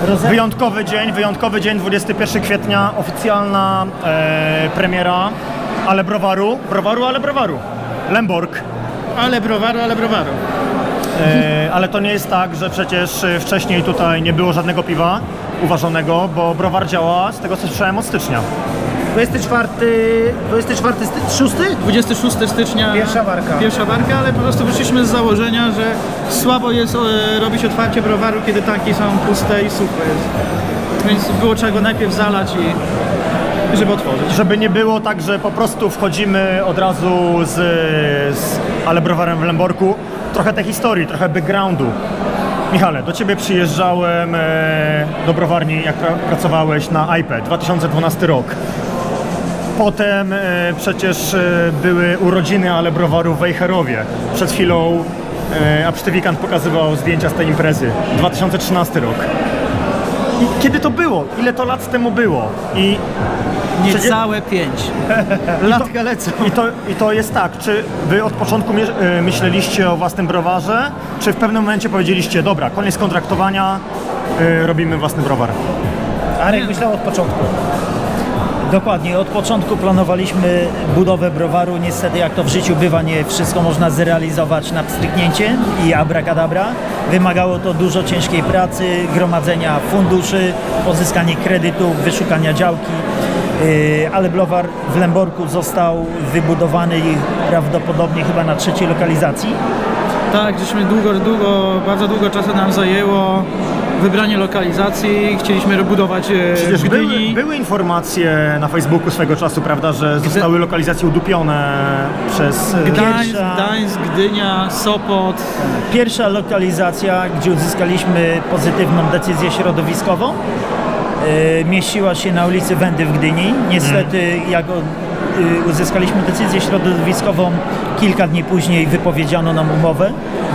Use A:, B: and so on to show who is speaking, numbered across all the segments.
A: Wyjątkowy dzień, 21 kwietnia, oficjalna premiera, ale browaru, Lemborg.
B: Ale browaru.
A: Ale to nie jest tak, że przecież wcześniej tutaj nie było żadnego piwa uważonego, bo browar działa, z tego co słyszałem, od stycznia.
B: 26 stycznia pierwsza warka, ale po prostu wyszliśmy z założenia, że słabo jest robić otwarcie browaru, kiedy tanki są puste i suche jest. Więc było trzeba go najpierw zalać i żeby otworzyć.
A: Żeby nie było tak, że po prostu wchodzimy od razu z ale browarem w Lemborku. Trochę tej historii, trochę backgroundu. Michale, do Ciebie przyjeżdżałem do browarni, jak pracowałeś na iPad, 2012 rok. Potem przecież były urodziny ale browaru w Wejherowie. Przed chwilą Absztywikant pokazywał zdjęcia z tej imprezy. 2013 rok. I kiedy to było? Ile to lat temu było?
B: Niecałe 5. Latka lecą.
A: I to jest tak, czy Wy od początku myśleliście o własnym browarze, czy w pewnym momencie powiedzieliście, dobra, koniec kontraktowania, robimy własny browar?
C: Arek myślał od początku. Dokładnie, od początku planowaliśmy budowę browaru. Niestety, jak to w życiu bywa, nie wszystko można zrealizować na pstryknięcie i abracadabra. Wymagało to dużo ciężkiej pracy, gromadzenia funduszy, pozyskanie kredytów, wyszukania działki. Ale browar w Lemborku został wybudowany prawdopodobnie chyba na 3. lokalizacji.
B: Tak, żeśmy bardzo długo czasu nam zajęło wybranie lokalizacji, chcieliśmy budować
A: Przecież
B: w Gdyni.
A: były informacje na Facebooku swego czasu, prawda, że zostały lokalizacje udupione przez...
B: Gdańsk, Gdynia, Sopot.
C: Pierwsza lokalizacja, gdzie uzyskaliśmy pozytywną decyzję środowiskową, mieściła się na ulicy Wędy w Gdyni. Niestety, jak uzyskaliśmy decyzję środowiskową, kilka dni później wypowiedziano nam umowę.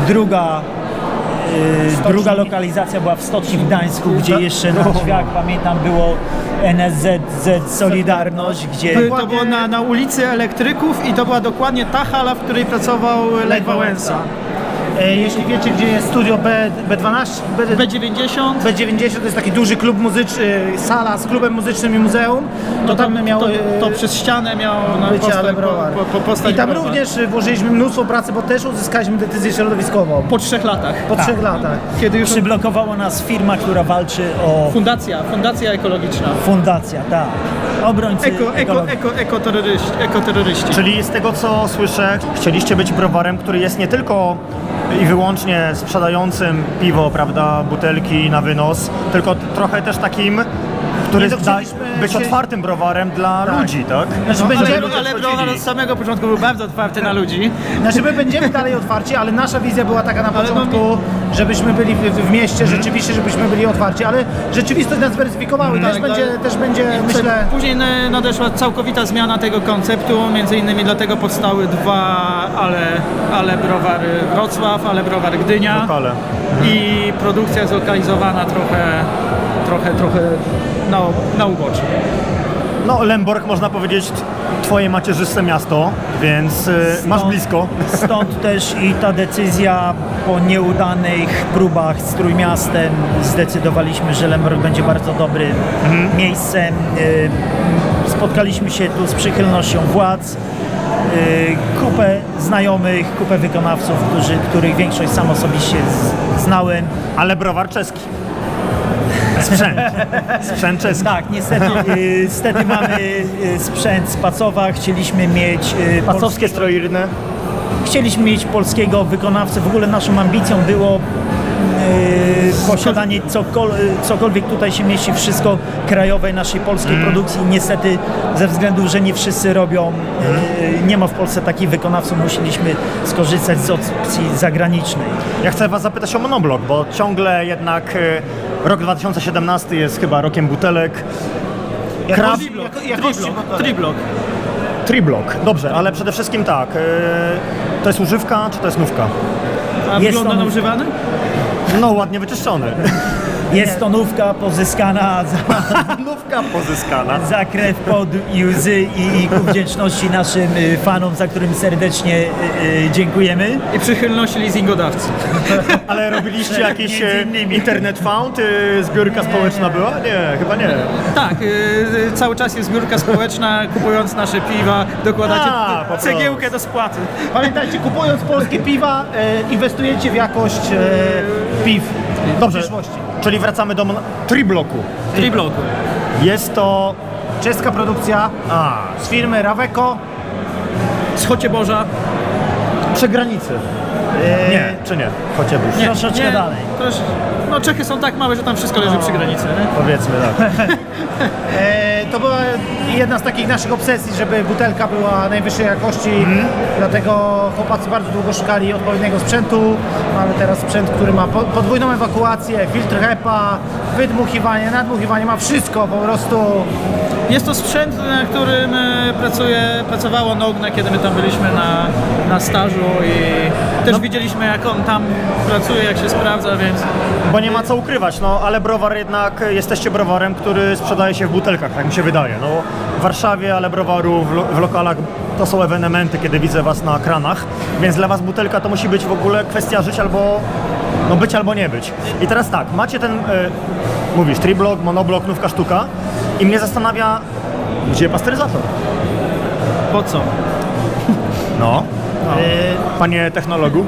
C: Druga lokalizacja była w Stoczni w Gdańsku, gdzie jeszcze na drzwiach, pamiętam, było NSZZ Solidarność, gdzie...
B: To było na ulicy Elektryków i to była dokładnie ta hala, w której pracował Lech Wałęsa.
D: Jeśli wiecie, gdzie jest studio B12,
B: B90.
D: B90 to jest taki duży klub muzyczny, sala z klubem muzycznym i muzeum. To tam miało
B: to przez ścianę miał
D: być ale browar. I tam również włożyliśmy mnóstwo pracy, bo też uzyskaliśmy decyzję środowiskową.
B: Po 3 latach.
D: Po 3 latach.
B: Kiedy już
C: Przyblokowała nas firma, która walczy o...
B: Fundacja ekologiczna.
C: Fundacja, tak. Obrońcy
B: Ekoterroryści.
A: Czyli z tego co słyszę, chcieliście być browarem, który jest nie tylko i wyłącznie sprzedającym piwo, prawda, butelki na wynos, tylko trochę też takim, który być otwartym browarem dla ludzi, tak?
B: Ale browar od samego początku był bardzo otwarty na ludzi.
D: Znaczy my będziemy dalej otwarci, ale nasza wizja była taka na początku, żebyśmy byli w mieście, rzeczywiście, żebyśmy byli otwarci, ale rzeczywistość nas zweryfikowała i też będzie, myślę...
B: Później nadeszła całkowita zmiana tego konceptu, między innymi dlatego powstały 2 ale browary Wrocław, ale browar Gdynia i produkcja zlokalizowana trochę na uboczu.
A: No, Lemborg, można powiedzieć, twoje macierzyste miasto, więc masz blisko.
C: Stąd też i ta decyzja po nieudanych próbach z Trójmiastem zdecydowaliśmy, że Lemborg będzie bardzo dobrym miejscem. Spotkaliśmy się tu z przychylnością władz, kupę znajomych, kupę wykonawców, których większość sam osobiście znałem.
A: Ale browar czeski. Sprzęt czeski.
C: Tak, niestety mamy sprzęt z Pacowa, chcieliśmy mieć...
A: Pacowskie stroirne.
C: Chcieliśmy mieć polskiego wykonawcę, w ogóle naszą ambicją było posiadanie cokolwiek tutaj się mieści, wszystko krajowej naszej polskiej produkcji. Niestety ze względu, że nie wszyscy robią, nie ma w Polsce takich wykonawców, musieliśmy skorzystać z opcji zagranicznej.
A: Ja chcę was zapytać o monoblok, bo ciągle jednak rok 2017 jest chyba rokiem butelek. Triblok, dobrze, ale przede wszystkim tak, to jest używka, czy to jest nówka?
B: A wygląda na używany?
A: No, ładnie wyczyszczony.
C: Jest to nówka pozyskana
A: Nówka pozyskana.
C: za krew, pot i łzy i ku wdzięczności naszym fanom, za którym serdecznie dziękujemy.
B: I przychylności leasingodawcy.
A: Ale robiliście jakiś
C: Między innymi.
A: internet found? Zbiórka społeczna była? Nie, chyba nie.
B: Tak, cały czas jest zbiórka społeczna, kupując nasze piwa, dokładacie
A: A, po prostu.
B: cegiełkę do spłaty.
D: Pamiętajcie, kupując polskie piwa, inwestujecie w jakość piw w
A: Dobrze,
D: przyszłości.
A: czyli wracamy do Tribloku.
B: Tribloku.
A: Jest to...
D: Czeska produkcja z firmy Raveco.
B: Z Chocieboża.
A: Przy granicy. Nie, czy nie? Chociażby.
C: Troszeczkę dalej.
B: No Czechy są tak małe, że tam wszystko leży przy granicy. Nie?
A: Powiedzmy tak.
D: To była jedna z takich naszych obsesji, żeby butelka była najwyższej jakości, dlatego chłopacy bardzo długo szukali odpowiedniego sprzętu. Mamy teraz sprzęt, który ma podwójną ewakuację, filtr HEPA, wydmuchiwanie, nadmuchiwanie, ma wszystko po prostu.
B: Jest to sprzęt, na którym pracowało Nogne, kiedy my tam byliśmy na stażu i też widzieliśmy, jak on tam pracuje, jak się sprawdza, więc
A: Bo nie ma co ukrywać, no ale browar jednak, jesteście browarem, który sprzedaje się w butelkach, tak mi się wydaje. No, w Warszawie, ale browaru w lokalach to są ewenementy, kiedy widzę was na kranach, więc dla was butelka to musi być w ogóle kwestia żyć albo, no być albo nie być. I teraz tak, macie ten, mówisz, triblok, monoblok, nówka sztuka i mnie zastanawia, gdzie pasteryzator?
B: po co?
A: No, panie technologu.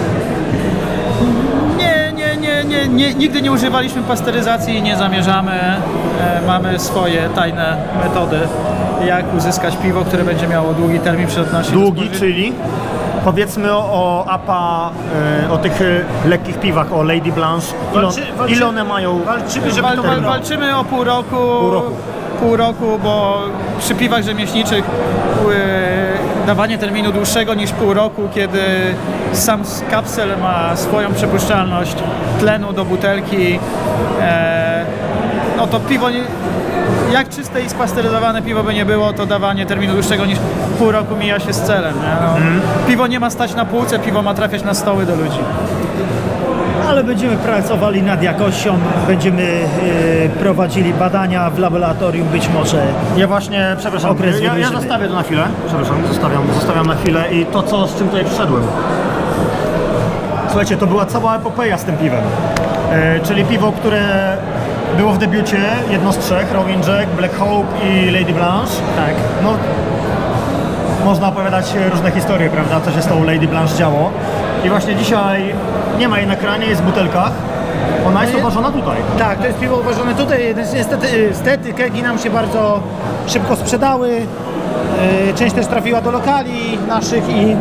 B: Nigdy nie używaliśmy pasteryzacji i nie zamierzamy. Mamy swoje tajne metody, jak uzyskać piwo, które będzie miało długi termin przydatności.
A: Długi, czyli powiedzmy o APA, o tych lekkich piwach, o Lady Blanche. Ile one mają?
D: Walczymy, żeby to było.
B: Walczymy o pół roku. Pół roku, bo przy piwach rzemieślniczych dawanie terminu dłuższego niż pół roku, kiedy sam kapsel ma swoją przepuszczalność tlenu do butelki, no to piwo, jak czyste i spasteryzowane piwo by nie było, to dawanie terminu dłuższego niż pół roku mija się z celem. Nie? No, Piwo nie ma stać na półce, piwo ma trafiać na stoły do ludzi.
C: Ale będziemy pracowali nad jakością, będziemy prowadzili badania w laboratorium, być może.
A: Ja właśnie, przepraszam,
C: Okres
A: ja
C: wydłużymy.
A: zostawię to na chwilę. Przepraszam, zostawiam na chwilę i to, z czym tutaj przyszedłem. Słuchajcie, to była cała epopeja z tym piwem. Czyli piwo, które było w debiucie, jedno z trzech, Rowing Jack, Black Hope i Lady Blanche.
C: Tak.
A: No, można opowiadać różne historie, prawda, co się z tą Lady Blanche działo. I właśnie dzisiaj nie ma jej na kranie, jest w butelkach. Ona jest uważana tutaj.
D: Tak, to jest piwo uważane tutaj. Niestety kegi nam się bardzo szybko sprzedały. Część też trafiła do lokali naszych i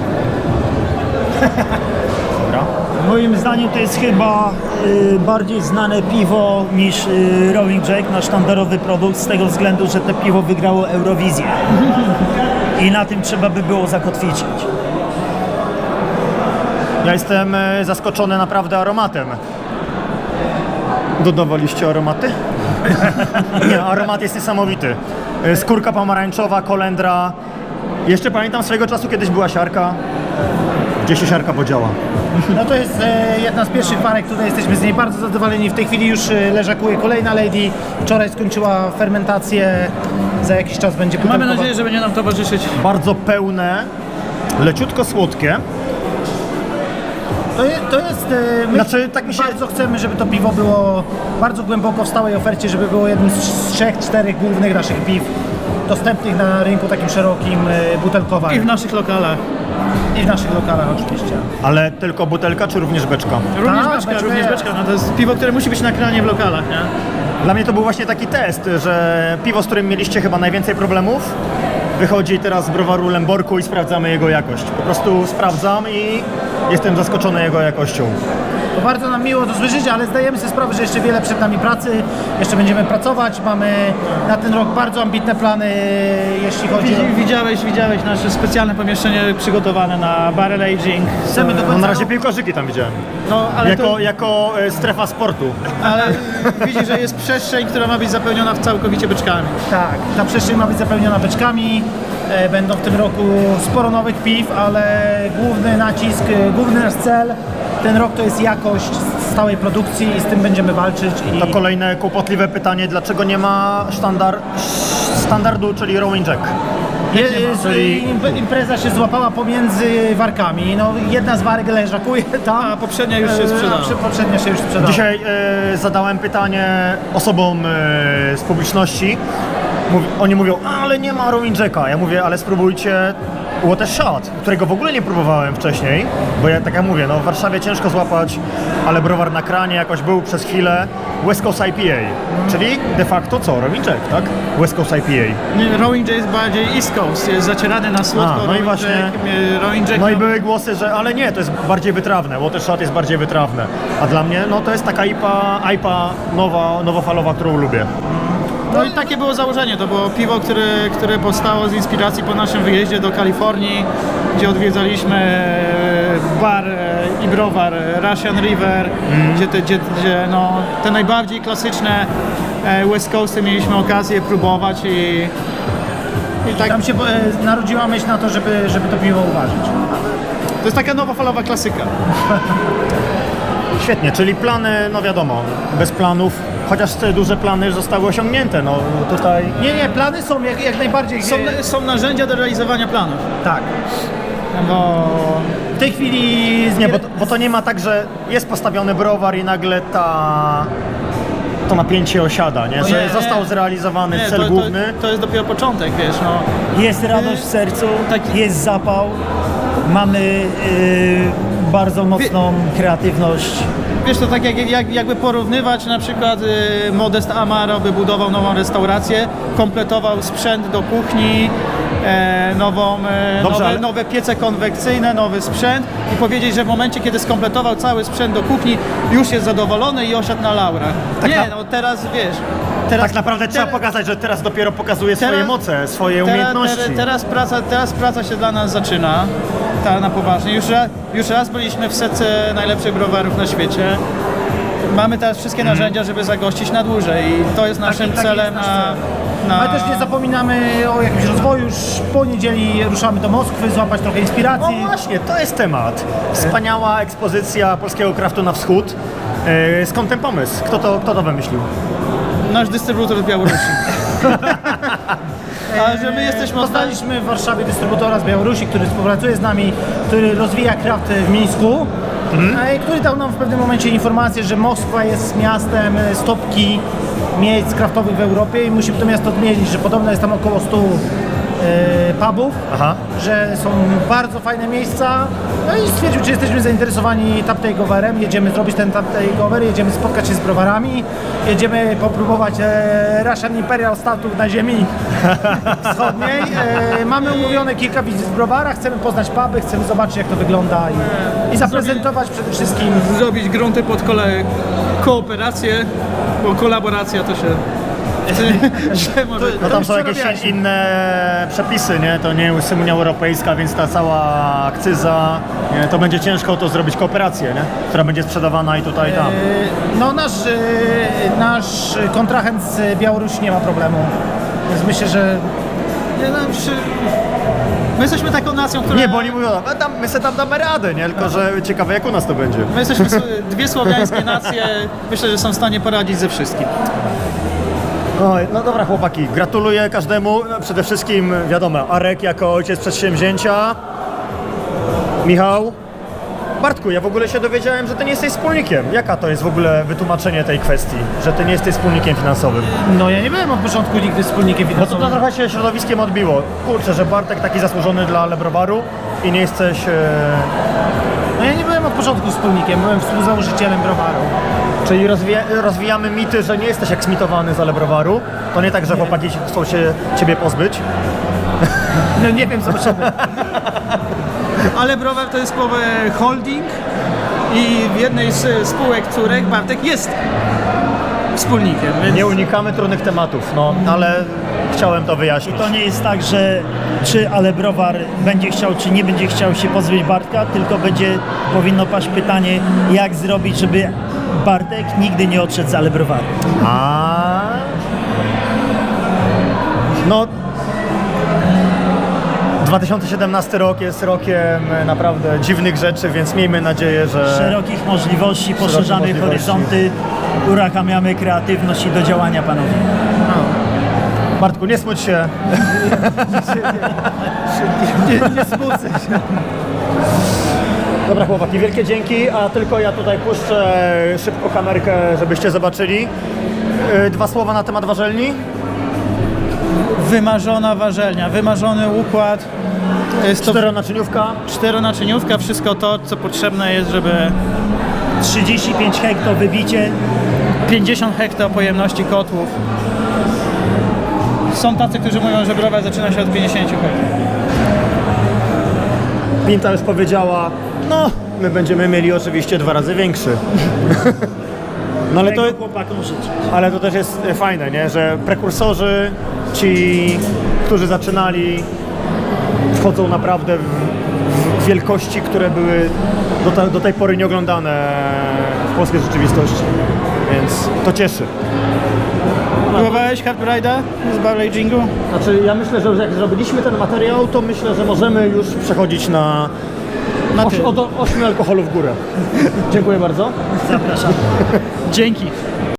C: Moim zdaniem to jest chyba bardziej znane piwo niż Rowing Jack, nasz sztandarowy produkt, z tego względu, że to piwo wygrało Eurowizję. I na tym trzeba by było zakotwiczyć.
A: Ja jestem zaskoczony naprawdę aromatem. Dodawaliście aromaty? Nie, aromat jest niesamowity. Skórka pomarańczowa, kolendra. Jeszcze pamiętam swojego czasu, kiedyś była siarka. Gdzie się siarka podziała?
D: no to jest jedna z pierwszych parek, tutaj jesteśmy z niej bardzo zadowoleni. W tej chwili już leżakuje kolejna Lady. Wczoraj skończyła fermentację, za jakiś czas będzie
B: Mamy
D: butelkowa.
B: nadzieję, że będzie nam towarzyszyć.
A: Bardzo pełne, leciutko słodkie.
D: To jest my
A: Znaczy, tak mi się-
D: bardzo chcemy, żeby to piwo było bardzo głęboko w stałej ofercie, żeby było jednym z 3-4 głównych naszych piw dostępnych na rynku takim szerokim, butelkowanym.
B: I w naszych lokalach.
D: I w naszych lokalach oczywiście.
A: Ale tylko butelka, czy również beczka?
B: Również beczka. No to jest piwo, które musi być na kranie w lokalach, nie?
A: Dla mnie to był właśnie taki test, że piwo, z którym mieliście chyba najwięcej problemów, wychodzi teraz z browaru Lęborku i sprawdzamy jego jakość. Po prostu sprawdzam i jestem zaskoczony jego jakością.
D: To bardzo nam miło to słyszeć, ale zdajemy sobie sprawę, że jeszcze wiele przed nami pracy, jeszcze będziemy pracować, mamy na ten rok bardzo ambitne plany, jeśli chodzi o...
B: Widziałeś nasze specjalne pomieszczenie przygotowane na barrel aging.
D: Chcemy do
A: No,
D: końca
A: na razie
D: roku-
A: piłkarzyki tam widziałem.
B: No, ale
A: Jako strefa sportu.
B: ale widzisz, że jest przestrzeń, która ma być zapełniona całkowicie beczkami.
D: Tak, ta przestrzeń ma być zapełniona beczkami. Będą w tym roku sporo nowych piw, ale główny nacisk, główny nasz cel ten rok to jest jakość, stałej produkcji i z tym będziemy walczyć.
A: To kolejne kłopotliwe pytanie, dlaczego nie ma standardu, czyli Rowing Jack?
D: Impreza się złapała pomiędzy warkami. No, jedna z warek leżakuje tam,
B: A poprzednia już się sprzedała.
D: Poprzednia się już sprzedała.
A: Dzisiaj zadałem pytanie osobom z publiczności. Oni mówią, ale nie ma Rowing Jacka. Ja mówię, ale spróbujcie Water Shot, którego w ogóle nie próbowałem wcześniej, bo ja tak jak mówię, no w Warszawie ciężko złapać, ale browar na kranie jakoś był przez chwilę. West Coast IPA, czyli de facto co? Rowing Jack, tak? West Coast IPA.
B: Rowing Jack jest bardziej East Coast, jest zacierany na słodko.
A: No i
B: Rowing
A: właśnie.
B: Jack, Rowing Jack,
A: No i były głosy, że ale nie, to jest bardziej wytrawne, Water Shot jest bardziej wytrawne. A dla mnie, no to jest taka IPA nowofalowa, którą lubię.
B: No i takie było założenie, to było piwo, które powstało z inspiracji po naszym wyjeździe do Kalifornii, gdzie odwiedzaliśmy bar i browar Russian River, gdzie no, te najbardziej klasyczne West Coasty mieliśmy okazję próbować i tak,
D: Tam się narodziła myśl na to, żeby to piwo uważać.
B: to jest taka nowofalowa klasyka.
A: Świetnie, czyli plany, no wiadomo, bez planów, chociaż te duże plany zostały osiągnięte, no tutaj...
D: Nie, plany są jak najbardziej...
B: Są narzędzia do realizowania planów.
D: Tak.
B: Bo
D: W tej chwili...
A: Nie, bo to nie ma tak, że jest postawiony browar i nagle to napięcie osiada, nie? Że
B: nie,
A: został zrealizowany
B: nie,
A: cel główny.
B: To jest dopiero początek, wiesz, no.
C: Jest radość w sercu,
B: Tak.
C: jest zapał, mamy bardzo mocną kreatywność.
B: Wiesz, to tak jakby porównywać na przykład Modest Amaro by budował nową restaurację, kompletował sprzęt do kuchni,
A: Dobrze, ale-
B: nowe piece konwekcyjne, nowy sprzęt i powiedzieć, że w momencie, kiedy skompletował cały sprzęt do kuchni, już jest zadowolony i osiadł na laurach.
A: Tak
B: Nie,
A: na-
B: no teraz wiesz... Teraz,
A: Tak naprawdę trzeba pokazać, że teraz dopiero pokazuje swoje
B: Teraz-
A: moce, swoje umiejętności.
B: Teraz praca się dla nas zaczyna, ta na poważnie. Już raz byliśmy w setce najlepszych browarów na świecie. Mamy teraz wszystkie narzędzia, żeby zagościć na dłużej i to jest naszym
D: Taki
B: celem
D: jest nasz cel.
B: na...
D: Ale też nie zapominamy o jakimś rozwoju. Już po niedzieli ruszamy do Moskwy, złapać trochę
A: No
D: inspiracji.
A: właśnie, to jest temat. Wspaniała ekspozycja polskiego kraftu na wschód. Skąd ten pomysł? Kto to wymyślił?
B: Nasz dystrybutor z Białorusi. Ale że my jesteśmy
D: Poznaliśmy w Warszawie dystrybutora z Białorusi, który współpracuje z nami, który rozwija kraft w Mińsku. I który dał nam w pewnym momencie informację, że Moskwa jest miastem stopki miejsc kraftowych w Europie i musimy to miasto odmienić, że podobno jest tam około 100 pubów,
A: Aha.
D: że są bardzo fajne miejsca. No i stwierdził, czy jesteśmy zainteresowani tap takeoverem. Jedziemy zrobić ten tap takeover, jedziemy spotkać się z browarami, jedziemy popróbować Russian Imperial Statów na ziemi wschodniej. Mamy umówione kilka wizyt w browarach, chcemy poznać puby, chcemy zobaczyć, jak to wygląda i zaprezentować przede wszystkim.
B: zrobić grunty pod kooperację, bo kolaboracja to się... źle może...
A: No tam są
D: już
A: jakieś
D: przerabialiśmy.
A: inne przepisy, nie? To nie jest Unia Europejska, więc ta cała akcyza, nie? To będzie ciężko to zrobić kooperację, nie? Która będzie sprzedawana i tutaj i tam.
D: No nasz kontrahent z Białorusi nie ma problemu. Więc myślę, że
B: Nie, no, my jesteśmy taką nacją, która...
A: Nie, bo oni mówią, my sobie tam damy radę, nie? Tylko, że ciekawe jak u nas to będzie.
B: My jesteśmy dwie słowiańskie nacje, myślę, że są w stanie poradzić ze wszystkim.
A: Oj, no dobra chłopaki, gratuluję każdemu. No, przede wszystkim wiadomo, Arek jako ojciec przedsięwzięcia. Michał. Bartku, ja w ogóle się dowiedziałem, że ty nie jesteś wspólnikiem. Jaka to jest w ogóle wytłumaczenie tej kwestii, że ty nie jesteś wspólnikiem finansowym?
D: no ja nie byłem od początku nigdy wspólnikiem
A: No to
D: finansowym.
A: trochę się środowiskiem odbiło. Kurczę, że Bartek taki zasłużony dla Lebrowaru i nie jesteś...
D: No ja nie byłem od początku wspólnikiem, byłem współzałożycielem browaru.
A: Czyli rozwijamy mity, że nie jesteś eksmitowany za Lebrowaru. To nie tak, że chłopaki chcą się ciebie pozbyć.
D: No nie wiem, zobaczymy.
B: Ale browar to jest słowo holding i w jednej z spółek córek Bartek jest wspólnikiem, więc...
A: Nie unikamy trudnych tematów, no, ale chciałem to wyjaśnić.
C: To nie jest tak, że czy ale browar będzie chciał, czy nie będzie chciał się pozbyć Bartka, tylko powinno paść pytanie, jak zrobić, żeby Bartek nigdy nie odszedł z ale browaru.
A: No, 2017 rok jest rokiem naprawdę dziwnych rzeczy, więc miejmy nadzieję, że...
C: Szerokich możliwości, poszerzamy
A: możliwości.
C: horyzonty, uruchamiamy kreatywność i do działania, panowie.
A: Bartku, nie smuć się.
D: Nie smucę się.
A: Dobra chłopaki, wielkie dzięki, a tylko ja tutaj puszczę szybko kamerkę, żebyście zobaczyli. 2 słowa na temat warzelni.
B: Wymarzona warzelnia, wymarzony układ. Jest to
A: 4-naczyniówka.
B: 4-naczyniówka, wszystko to, co potrzebne jest, żeby
C: 35 hekto wybicie.
B: 50 hektar pojemności kotłów. Są tacy, którzy mówią, że browar zaczyna się od 50 hektar.
A: Pinta już powiedziała, no, my będziemy mieli oczywiście 2 razy większy. No ale to,
C: Tego chłopakom życzę.
A: ale to też jest fajne, nie? Że prekursorzy, ci, którzy zaczynali, wchodzą naprawdę w wielkości, które były do tej pory nieoglądane w polskiej rzeczywistości. Więc to cieszy.
B: Próbowałeś Hard Ride'a z barrel agingu?
A: Znaczy, ja myślę, że jak zrobiliśmy ten materiał, to myślę, że możemy już przechodzić na
B: ty.
A: od 8 alkoholu w górę. Dziękuję bardzo.
C: Zapraszam.
B: Dzięki.